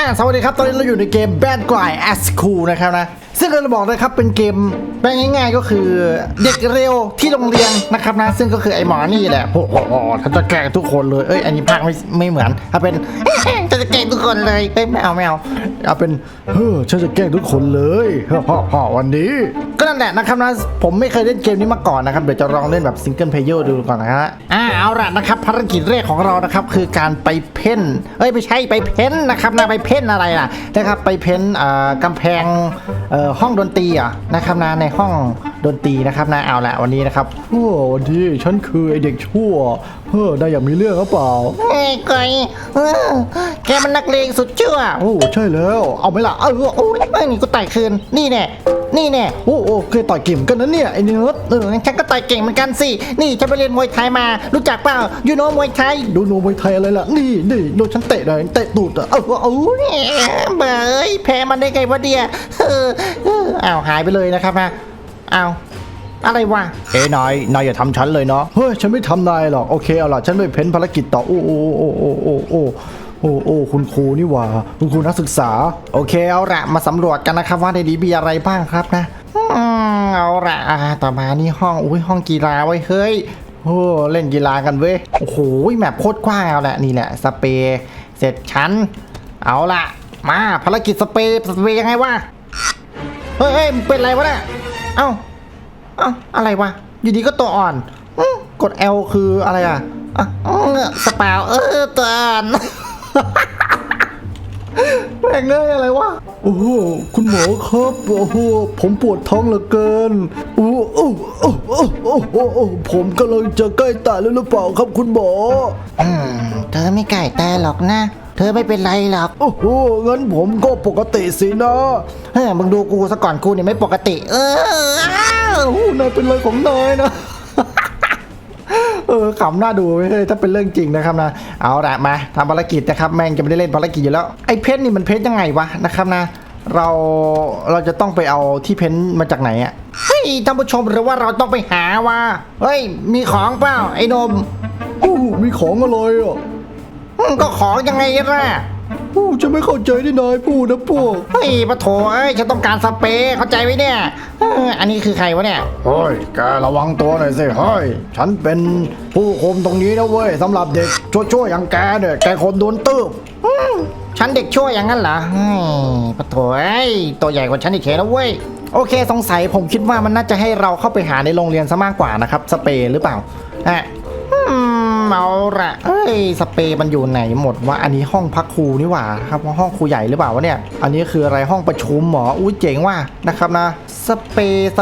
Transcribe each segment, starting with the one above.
สวัสดีครับตอนนี้เราอยู่ในเกม Bad Guy as Cool นะครับนะซึ่งเราบอกเลยครับเป็นเกมแปลง่ายๆก็คือเด็กเร็วที่โรงเรียนนะครับนะซึ่งก็คือไอ้หมอนี่แหละโอ้โหฉันจะแกล้งทุกคนเลยอันนี้ภาคไม่เหมือนถ้าเป็นฉันจะแกล้งทุกคนเลยไม่เอาเอาเป็นฉันจะแกล้งทุกคนเลยวันนี้ก็นั่นแหละนะครับนะผมไม่เคยเล่นเกมนี้มาก่อนนะครับเดี๋ยวจะลองเล่นแบบซิงเกิลเพลเยอร์ดูก่อนนะฮะเอาละนะครับภารกิจแรกของเรานะครับคือการไปเพ้นไม่ใช่ไปเพ้นนะครับนะไปเพ้นอะไรล่ะนะครับไปเพ้นกำแพงห้องดนตรีนะครับนะในห้องดนตรีนะครับนะเอาละวันนี้นะครับวันนี้ฉันคือไอเด็กชั่วได้อยากมีเรื่องหรือเปล่าก้อยแกมันนักเลงสุดชั่วใช่แล้วเอาไหมล่ะนี่กูต่อยคืนนี่แน่เคยต่อยเก่งกันนะเนี่ยไอ้เนื้อฉันก็ต่อยเก่งเหมือนกันสินี่ฉันไปเรียนมวยไทยมารู้จักเปล่ายูโนมวยไทยดูโนมวยไทยอะไรล่ะนี่โดนฉันเตะเลยเตะตูดเบยแพ้มันได้ไงวะเดียหายไปเลยนะครับนะอะไรวะนายอย่าทำฉันเลยเนาะฉันไม่ทำนายหรอกโอเคเอาล่ะฉันไปเพ้นภารกิจต่อคุณครูนี่หว่าคุณครูนักศึกษาโอเคเอาละมาสำรวจกันนะครับว่าในนี้มีอะไรบ้างครับนะเอาละต่อมานี่ห้องกีฬาไว้เฮ้ยเล่นกีฬากันเว้ยโอ้โหแมปโคตรกว้างเอาละนี่แหละสเปรย์เสร็จชั้นเอาละมาภารกิจสเปรย์ยังไงวะเฮ้ยเป็นไรวะเนี่ยอะไรวะอยู่ดีก็ตัวอ่อนกด L คืออะไรสเปาตัวอ่อนแม่งเงยอะไรวะคุณหมอครับผมปวดท้องเหลือเกินผมกำลังจะใกล้ตายแล้วหรือเปล่าครับคุณหมอเธอไม่ใกล้ตายหรอกนะเธอไม่เป็นไรหรอกงั้นผมก็ปกติสินะมึงดูกูซะก่อนกูเนี่ยไม่ปกตินายเป็นอะไรของนายนะขำหน้าดูเลยถ้าเป็นเรื่องจริงนะครับนะเอาละมาทำภารกิจนะครับแม่งจะไม่ได้เล่นภารกิจอยู่แล้วไอ้เพชรนี่มันเพชรยังไงวะนะครับนะเราจะต้องไปเอาที่เพชรมาจากไหนท่านผู้ชมหรือว่าเราต้องไปหาว่ามีของเปล่าไอ้นมมีของอะไรก็ของยังไงล่ะจะไม่เข้าใจที่นายพูดนะพวกปะโถฉันต้องการสเปรย์เข้าใจไหมเนี่ยอันนี้คือใครวะเนี่ยแกระวังตัวหน่อยสิฉันเป็นผู้คุมตรงนี้นะเว้ยสำหรับเด็กชั่วๆอย่างแกเนี่ยแกคนโดนตืบฉันเด็กชั่วอย่างนั้นเหรอปะโถตัวใหญ่กว่าฉันอีกเขนะเว้ยโอเคสงสัยผมคิดว่ามันน่าจะให้เราเข้าไปหาในโรงเรียนซะมากกว่านะครับสเปรย์หรือเปล่าเอาละสเปรย์มันอยู่ไหนหมดวะอันนี้ห้องพักครูนี่หว่าครับห้องครูใหญ่หรือเปล่าวะเนี่ยอันนี้คืออะไรห้องประชุมหรอเจ๋งว่ะนะครับนะสเปร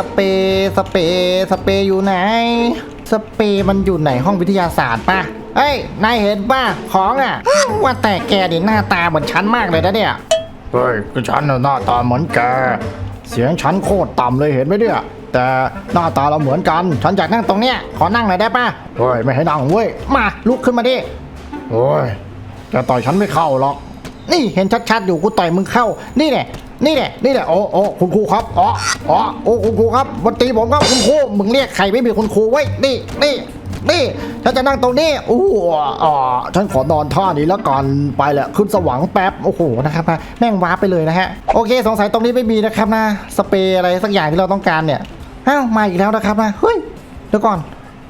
ย์อยู่ไหนสเปรย์มันอยู่ไหนห้องวิทยาศาสตร์ป่ะนายเห็นป่ะของว่าแต่แกดิหน้าตาเหมือนฉันมากเลยนะเนี่ยก็ฉันหน้าตาเหมือนแกเสียงฉันโคตรต่ำเลยเห็นไหมเนี่ยแต่หน้าตาเราเหมือนกันฉันอยากนั่งตรงเนี้ยขอนั่งหน่อยได้ป่ะไม่ให้นั่งเว้ยมาลุกขึ้นมาดิแกต่อยฉันไม่เข้าหรอกนี่เห็นชัดๆอยู่กูต่อยมึงเข้านี่แหละคุณครูครับคุณครูครับวันตีผมครับคุณครูมึงเรียกใครไม่มีคุณครูไว้นี่ฉันจะนั่งตรงนี้ฉันขอนอนท่านี้แล้วกันไปแหละขึ้นสว่างแป๊บนะครับแม่งว้าไปเลยนะฮะโอเคสงสัยตรงนี้ไม่มีนะครับนะสเปรย์อะไรสักอย่างที่เราต้องการเนี่ยมาอีกแล้วนะครับนะเดี๋ยวก่อน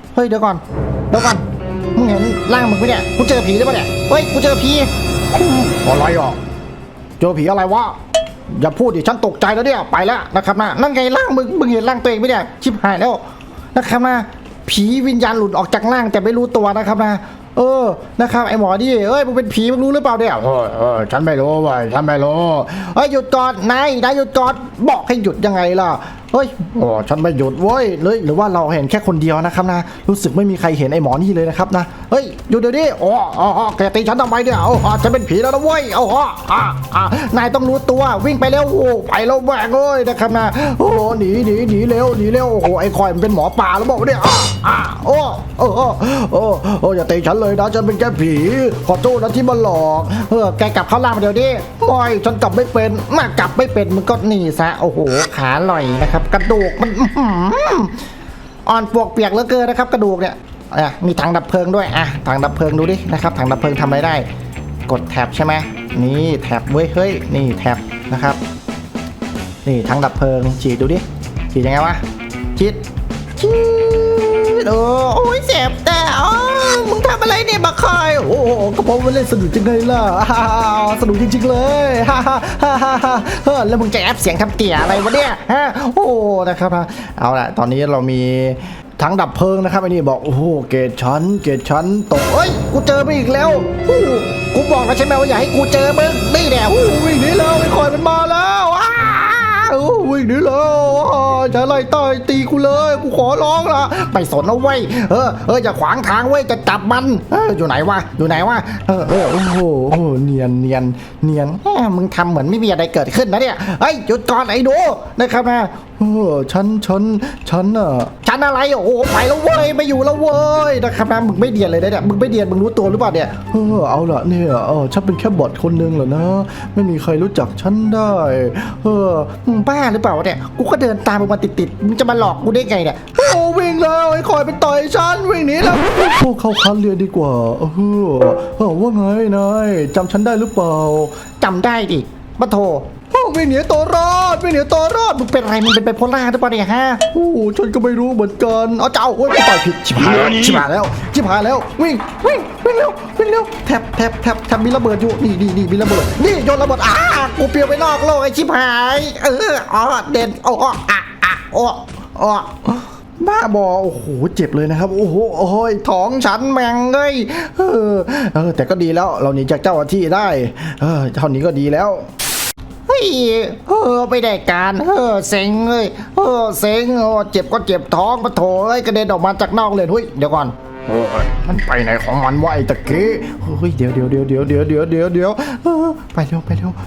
มึงเห็นร่างมึงไหมเนี่ยกูเจอผีหรือเปล่าเนี่ยกูเจอผีอะไรเจอผีอะไรวะอย่าพูดดิฉันตกใจแล้วเนี่ยไปแล้วนะครับนะนั่นไงร่างมึงเห็นร่างตัวเองไหมเนี่ยชิบหายแล้วนะครับนะผีวิญญาณหลุดออกจากร่างแต่ไม่รู้ตัวนะครับนะนะครับไอหมอดิมึงเป็นผีมึงรู้หรือเปล่าเนี่ยฉันไม่รู้เว้ยฉันไม่รู้หยุดก่อนนายหยุดก่อนบอกให้หยุดยังไงล่ะฉันไม่หยุดเว้ยเลยหรือว่าเราเห็นแค่คนเดียวนะครับนะรู้สึกไม่มีใครเห็นไอหมอนี่เลยนะครับนะหยุดเดี๋ยวนี้แกตีฉันทำไมเนี่ยฉันเป็นผีแล้วนะเว้ยนายต้องรู้ตัววิ่งไปแล้วไปแล้วแหวกเลยนะครับนะหนีเร็วไอคอยมันเป็นหมอป่าแล้วบอกว่าเนี่ยอย่าตีฉันเลยนะฉันเป็นแค่ผีขอโทษนะที่มาหลอกแกกลับเข้าล่างมาเดี๋ยวนี้ฉันกลับไม่เป็นมึงก็หนีซะขาลอยนะครับกระดูกมันอ่อนปวกเปียกเหลือเกินนะครับกระดูกเนี่ยมีถังดับเพลิงด้วยถังดับเพลิงดูดินะครับถังดับเพลิงทำอะไรได้กดแท็บใช่ไหมนี่แท็บเว้ยเฮ้ยนี่แท็บนะครับนี่ทั้งดับเพลิงฉีดดูดิฉีดยังไงวะฉีดโอ้ยเจ็บแต่มึงทำอะไรเนี่ยบักคอยโอ้ก็เพราะว่าเล่นสนุกจริงเลยล่ะสนุกจริงๆเลยแล้วมึงจะแอปเสียงทำเตี่ยอะไรวะเนี่ยโอ้นะครับเอาละตอนนี้เรามีทั้งดับเพลิงนะครับไอ้นี่บอกโอ้โหเกรดชั้นตกเอ้ยกูเจอไปอีกแล้วกูบอกแล้วใช่ไหมว่าอย่าให้กูเจอมึงนี่แหละวิ่งหนีแล้วไอ้คอยมันมาแล้ววิ่งหนีแล้วจะไล่ต่อยตีกูเลยกูขอร้องละไม่สนนะเว้ยอย่าขวางทางเว้ยจะจับมันอยู่ไหนวะโอ้โหเนียนมึงทำเหมือนไม่มีอะไรเกิดขึ้นนะเนี่ยเฮ้ยหยุดก่อนไอ้ดูนะครับนะฉันอะไรโอ้ไปแล้วเว้ยไม่อยู่แล้วเว้ยนะครับนะมึงไม่เดียนเลยเนี่ยมึงไม่เดียนมึงรู้ตัวหรือเปล่าเนี่ยเอาละเนี่ยฉันเป็นแค่บอทคนนึงเหรอนะไม่มีใครรู้จักฉันได้มึงบ้าหรือเปล่าเนี่ยกูก็เดินตามมึงมาติดมึงจะมาหลอกกูได้ไงเนี่ยวิ่งแล้วไอ้คอยไปต่อยฉันวิ่งหนีแล้วพวกเข้าคันเรียนดีกว่าว่าไงนายจำฉันได้หรือเปล่าจำได้ดิมาโทรวิ่งหนีตัวรอดมึงเป็นอะไรมึงเป็นไบโพล่าหรือเปล่าเนี่ยฮะฉันก็ไม่รู้เหมือนกันเจ้ากูต่อยผิดชิบหายแล้ววิ่งเร็วแทบมีระเบิดอยู่นี่มีระเบิดนี่โยนระเบิดกูเปลี่ยนไปนอกโลกไอ้ชิบหายเด่นบ้าบอโอ้โหเจ็บเลยนะครับโอ้โหท้องฉันแมงเลยแต่ก็ดีแล้วเราหนีจากเจ้าหน้าที่ได้เท่านี้ก็ดีแล้วไม่ได้การเซ็งเลยเจ็บก็เจ็บท้องปะโถกระเด็นออกมาจากนอกเลยเดี๋ยวก่อนมันไปไหนของมันวะไอ้ตะกี้เดี๋ยวไปเร็ว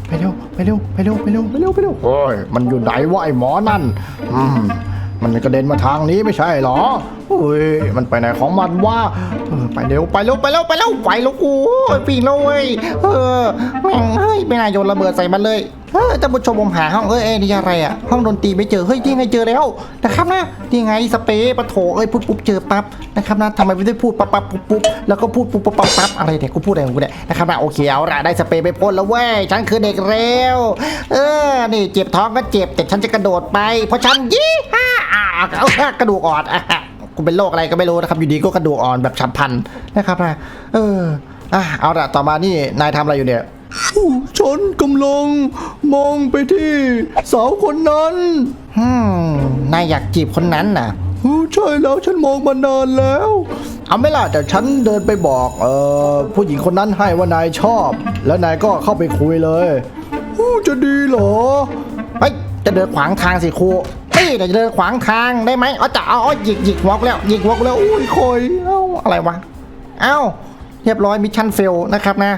มันอยู่ไหนวะไอ้หมอนั่นมันกระเด็นมาทางนี้ไม่ใช่หรอมันไปไหนของมันวะไปเร็วกูปีนแล้วเว้ยแม่งไม่น่าโยนระเบิดใส่มันเลยท่านผู้ชมผมหาห้องนี่อะไรอ่ะห้องดนตรีไม่เจอที่ไงเจอแล้วนะครับนะที่ไงสเปรย์ปะโถพูดปุ๊บเจอปั๊บนะครับนะทำไมไม่ได้พูดปั๊บปุ๊บแล้วก็พูดปุ๊บปั๊บอะไรเนี่ยกูพูดอะไรของกูเนี่ยนะครับนะโอเคเอาละได้สเปรย์ไปพ่นแล้วเว้ยฉันคือเด็กเร็วนี่เจ็บท้องก็เจ็บแต่ฉันจะกระโดดไปเพราะฉันกระดูกอ่อนกูเป็นโรคอะไรก็ไม่รู้นะครับอยู่ดีก็กระดูกอ่อนแบบฉับพลันนะครับนะเอาละต่อมานี่นายทำอะไรอยู่เนี่ยฉันกำลังมองไปที่สาวคนนั้นนายอยากจีบคนนั้นน่ะใช่แล้วฉันมองมานานแล้วเอาไม่ล่ะแต่ฉันเดินไปบอกผู้หญิงคนนั้นให้ว่านายชอบแล้วนายก็เข้าไปคุยเลยจะดีเหรอจะเดินขวางทางสิครูเดี๋ยวจะเดินขวางทางได้ไหมจะหยิกวอกแล้วอุ้ยคอยอะไรวะเรียบร้อยมิชชั่นเฟลนะครับนะ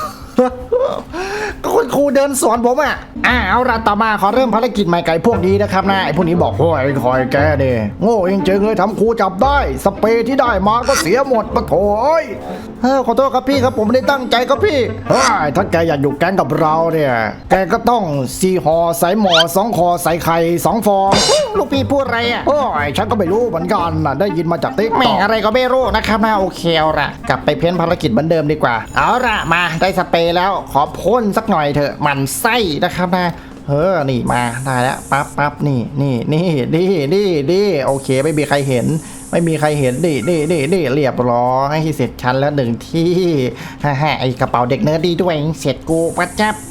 ก็คุณครูเดินสอนผมเอาละต่อมาขอเริ่มภารกิจใหม่ไก่พวกนี้นะครับนะไอ้พวกนี้บอกไอ้คอยแกเนี่ยโง่จริงๆเลยทำครูจับได้สเปรย์ที่ได้มาก็เสียหมดปะโถขอโทษครับพี่ครับผมไม่ได้ตั้งใจครับพี่ถ้าแกอยากอยู่แก๊งกับเราเนี่ยแกก็ต้อง4 ห่อใส่หมอ2 คอใส่ไข่2 ฟองลูกพี่พูดอะไรฉันก็ไม่รู้เหมือนกันได้ยินมาจากติ๊กแม่อะไรก็ไม่รู้นะครับนะโอเคเอาละกลับไปเพ้นภารกิจเหมือนเดิมดีกว่าเอาละมาได้สเปรย์แล้วขอพ่นสักหน่อยเถอะมันไส้นะครับนะนี่มาได้แล้วปั๊บนี่โอเคไม่มีใครเห็นนี่เรียบร้อยให้เสร็จชั้นแล้ว1 ที่ไอกระเป๋าเด็กเนิร์ดดีด้วยเสร็จกูปั๊บ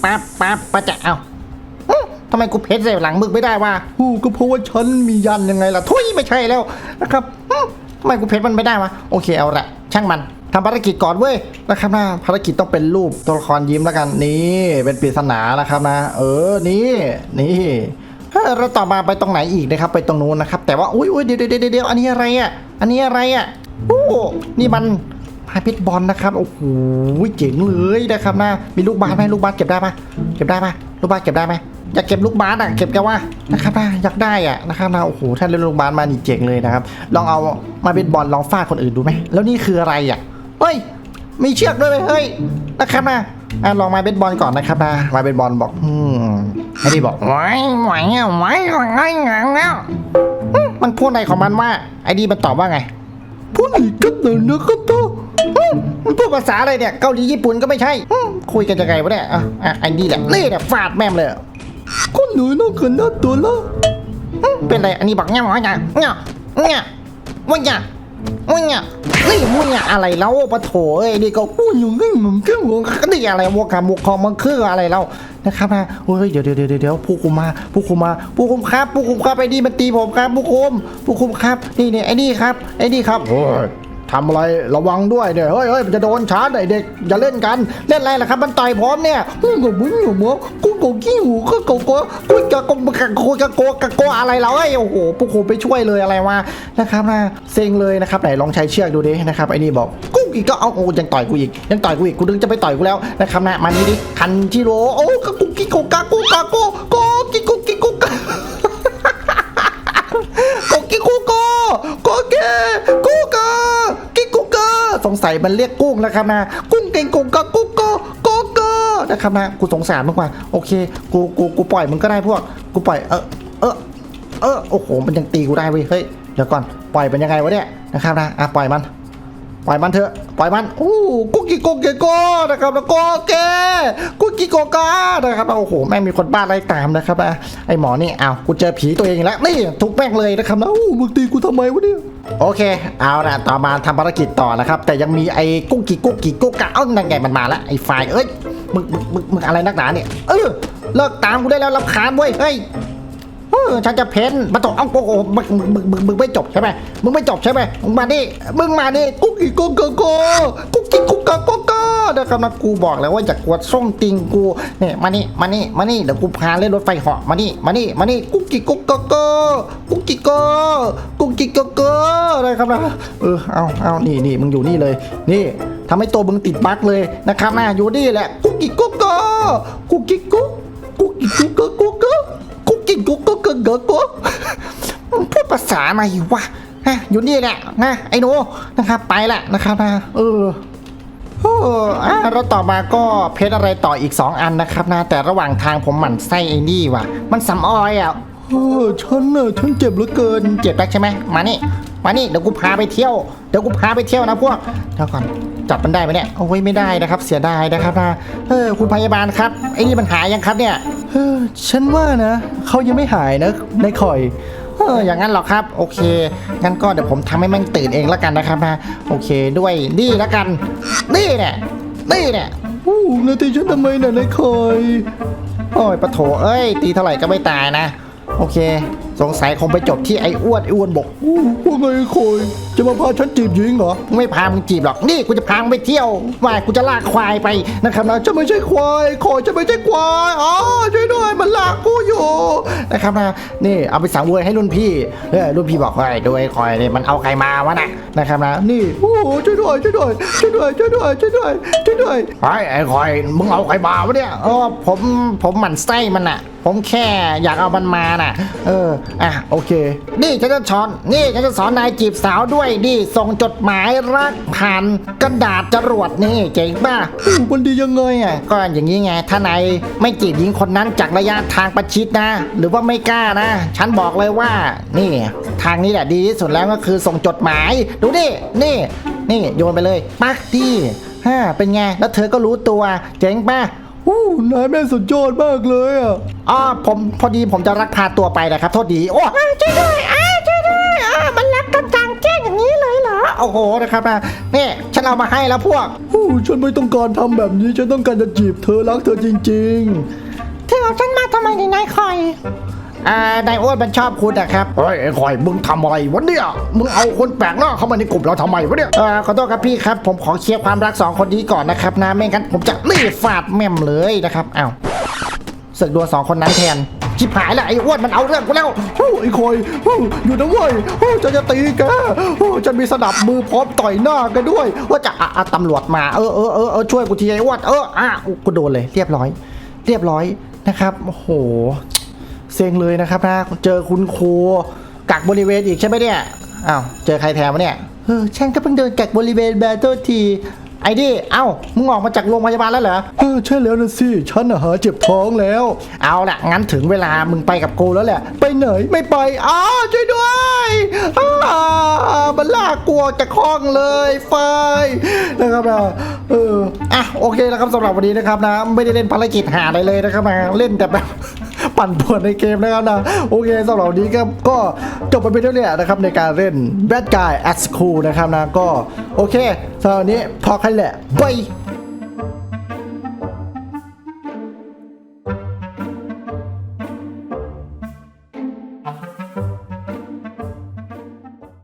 ทำไมกูเพชรใส่หลังมึกไม่ได้วะก็เพราะว่าฉันมียันยังไงล่ะทุยไม่ใช่แล้วนะครับทำไมกูเพชรมันไม่ได้วะโอเคเอาละช่างมันทำภารกิจก่อนเว้ยนะครับนะภารกิจต้องเป็นรูปตัวละครยิ้มแล้วกันนี่เป็นปริศนานะครับนะนี่แล้วต่อมาไปตรงไหนอีกนะครับไปตรงนู้นนะครับแต่ว่าอุ้ยเดี๋ยวอันนี้อะไรนี่มันพายเพชรบอลนะครับโอ้โหเจ๋งเลยนะครับนะมีลูกบาสไหมลูกบาสเก็บได้ปะลูกบาสเก็บได้ไหมอยากเก็บลูกบาสเก็บกันว่านะครับนะอยากได้นะครับนะโอ้โหถ้าเล่นลูกบาสมานี่เจ๋งเลยนะครับลองเอามาเป็นบอลลองฟาดคนอื่นดูไหมแล้วนี่คืออะไรมีเชือกด้วยเฮ้ยนะครับนะลองมาเป็นบอลก่อนนะครับนะมาเป็นบอลบอกไอ้ที่บอกไว้มันพูดอะไรของมันว่าไอ้ดีมันตอบว่าไงพูดอีกกันหน่อยนะครับมันพูดภาษาอะไรเนี่ยเกาหลีญี่ปุ่นก็ไม่ใช่คุยกันยังไงวะเนี่ยไอ้นี่แหละนี่แหละฟาดแม่มเลยคนหนูน่าเกินน่าตัวละเป็นไรอันนี้บอกเงี้ยว่าไงเงี้ยว่าไงนี่มึงอะอะไรแล้วปะโถเอ้ยนี่ก็พูดอยู่งี้มึงก็หัวนี่อะไรวกมุกคอมันคืออะไรแล้วนะครับนะโอ้ยเดี๋ยวผู้คุมครับไอ้นี่มันตีผมครับผู้คุมครับนี่ไอ้นี่ครับโอ้ยทำอะไรระวังด้วยเนี่ยเฮ้ยมันจะโดนชาร์จไอ้เด็กอย่าเล่นกันเล่นอะไรล่ะครับมันต่อยผมเนี่ยมึงอยู่มั้งกูขี้หูก็กูจะโกอะไรเราโอ้โหผู้คุมไปช่วยเลยอะไรวะนะครับนะเซ็งเลยนะครับไหนลองใช้เชือกดูดินะครับไอ้นี่บอกกูอีกก็เอาโอ้ยังต่อยกูอีกกูดึงจะไปต่อยกูแล้วนะครับนะมานี่ดิคันชิโร่โอ้กูกิโกกากูกาโกกิโกกาสงสัยมันเรียกกุ้งนะครับนะกุ้งเก่งกุ้งก็นะครับนะกูสงสารมากกว่าโอเคกูปล่อยมึงก็ได้พวกกูปล่อยโอ้โหมันยังตีกูได้เว้ยเฮ้ยเดี๋ยวก่อนปล่อยเป็นยังไงวะเนี่ยนะครับนะปล่อยมันเถอะปล่อยมันโอ้กุ๊กกิ๊กโกนะครับแล้วก็แกกุ๊กกิ๊กกานะครับโอ้โหแม่งมีคนบ้าไล่ตามนะครับนะไอหมอนี่กูเจอผีตัวเองแล้วนี่ทุกแม่งเลยนะครับนะโอ้มึงตีกูทำไมวะเนี่ยโอเคเอาละต่อมาทำภารกิจต่อนะครับแต่ยังมีไอ้กุ๊กกิ๊กกานั่นไงมันมาแล้วไอ้ไฟเอ้ยมึงอะไรนักหนาเนี่ยเลิกตามกูได้แล้วรำคาญเว้ยเฮ้ยฉันจะเพ้นมาตกโอ้โหมึงไม่จบใช่ไหมมึงมาดิกุ๊กกิ๊กกนะครับนะกูบอกแล้วว่าจะกวดส่งติงกูเนี่ยมานี่เดี๋ยวกูพาเล่นรถไฟเหาะมานี่กุ๊กกิ๊กนะครับนะเอานี่มึงอยู่นี่เลยนี่ทำให้ตัวมึงติดบั๊กเลยนะครับนะอยู่นี่แหละกุ๊กกิ๊กพูดภาษาอะไรวะอยู่นี่แหละนะไอ้หนูนะครับไปละนะครับนะแล้วต่อมาก็เพชรอะไรต่ออีก2อันนะครับนะแต่ระหว่างทางผมหมั่นไส้ไอ้นี่ว่ะมันสำออยฉันเจ็บเหลือเกินเจ็บแล้วใช่ไหมมานี่เดี๋ยวกูพาไปเที่ยวนะพวกเดี๋ยวก่อนจับมันได้ไหมเนี่ยโอ้ยไม่ได้นะครับเสียดายนะครับนะคุณพยาบาลครับไอ้นี่มันหายยังครับเนี่ยฉันว่านะเขายังไม่หายนะนายคอยอย่างนั้นหรอครับโอเคงั้นก็เดี๋ยวผมทำให้มันตื่นเองแล้วกันนะครับนะโอเคด้วยนี่แล้วกันนี่เนี่ยนาทีฉันทำไมน่ะนายคอยโอ้ยปะโถเอ้ยตีเท่าไหร่ก็ไม่ตายนะโอเคสงสัยคงไปจบที่ไอ้อ้วนบอกว่าไงคอยจะมาพาฉันจีบหญิงเหรอไม่พามึงจีบหรอกนี่กูจะพามึงไปเที่ยวว่ากูจะลากควายไปนะครับนะจะไม่ใช่ควายคอยจะไม่ใช่ควายช่วยด้วยมันลากกูอยู่นะครับนะนี่เอาไปสั่งเวยให้รุ่นพี่บอกว่าด้วยคอยเนี่ยมันเอาใครมาวะนะครับนะนี่โอ้ช่วยด้วยไอ้คอยมึงเอาใครมาวะเนี่ยผมหมั่นไส้มันน่ะผมแค่อยากเอามันมาน่ะโอเคนี่ฉันจะสอนนายจีบสาวด้วยดิส่งจดหมายรักผ่านกระดาษจรวดนี่เจ๋งป่ะมันดียังไงก็อย่างนี้ไงถ้านายไม่จีบหญิงคนนั้นจากระยะทางประชิดนะหรือว่าไม่กล้านะฉันบอกเลยว่านี่ทางนี้แหละดีที่สุดแล้วก็คือส่งจดหมายดูดินี่โยนไปเลยปักที่เป็นไงแล้วเธอก็รู้ตัวเจ๋งป่ะนายแม่สุดยอดมากเลยผมพอดีผมจะรักพาตัวไปนะครับโทษดีช่วยด้วยมันรักกันกลางแจ้งอย่างนี้เลยเหรอโอ้โหนะครับนี่ฉันเอามาให้แล้วพวกฉันไม่ต้องการทำแบบนี้ฉันต้องการจะจีบเธอรักเธอจริงๆเธอเอาฉันมาทำไมนายคอยนายอ้วนมันชอบคุณนะครับเฮ้ยไอ้คอยมึงทำอะไรวะเนี่ยมึงเอาคนแปลกหน้าเข้ามาในกลุ่มเราทำไมวะเนี่ยขอโทษครับพี่ครับผมขอเคลียร์ความรัก2คนนี้ก่อนนะครับนะไม่งั้นผมจะฟาดแม่มเลยนะครับศึกดวล2คนนั้นแทนชิบหายแล้วไอ้อ้วนมันเอาเรื่องกูแล้วไอ้คอยอยู่นะเว้ยจะตีแกจะมีสนับมือพร้อมต่อยหน้าแกด้วยว่าจะตำรวจมาช่วยกูทีไอ้อ้วนกูโดนเลยเรียบร้อยนะครับโอ้โหเซ็งเลยนะครับนะเจอคุณครูกักบริเวณอีกใช่ไหมเนี่ยเจอใครแทนวะเนี่ยฉันก็เพิ่งเดินกักบริเวณแบตเตอร์ทีไอ้ดิเอ้ามึงออกมาจากโรงพยาบาลแล้วเหรอใช่แล้วนะสิฉันน่ะหาเจ็บท้องแล้วเอาละงั้นถึงเวลามึงไปกับกูแล้วแหละไปไหนไม่ไปช่วยด้วยมันลากกลัวจากห้องเลยไฟนะครับนะอ่ะโอเคแล้วครับสำหรับวันนี้นะครับนะไม่ได้เล่นภารกิจหาอะไรเลยนะครับนะเล่นแต่แบบ ปั่นป่วนในเกมนะครับนะโอเคสำหรับวันนี้ก็จบไปเป็นเท่านี้นะครับในการเล่น Bad Guy at School นะครับนะก็โอเคสำหรับวันนี้พอแค่แหละบาย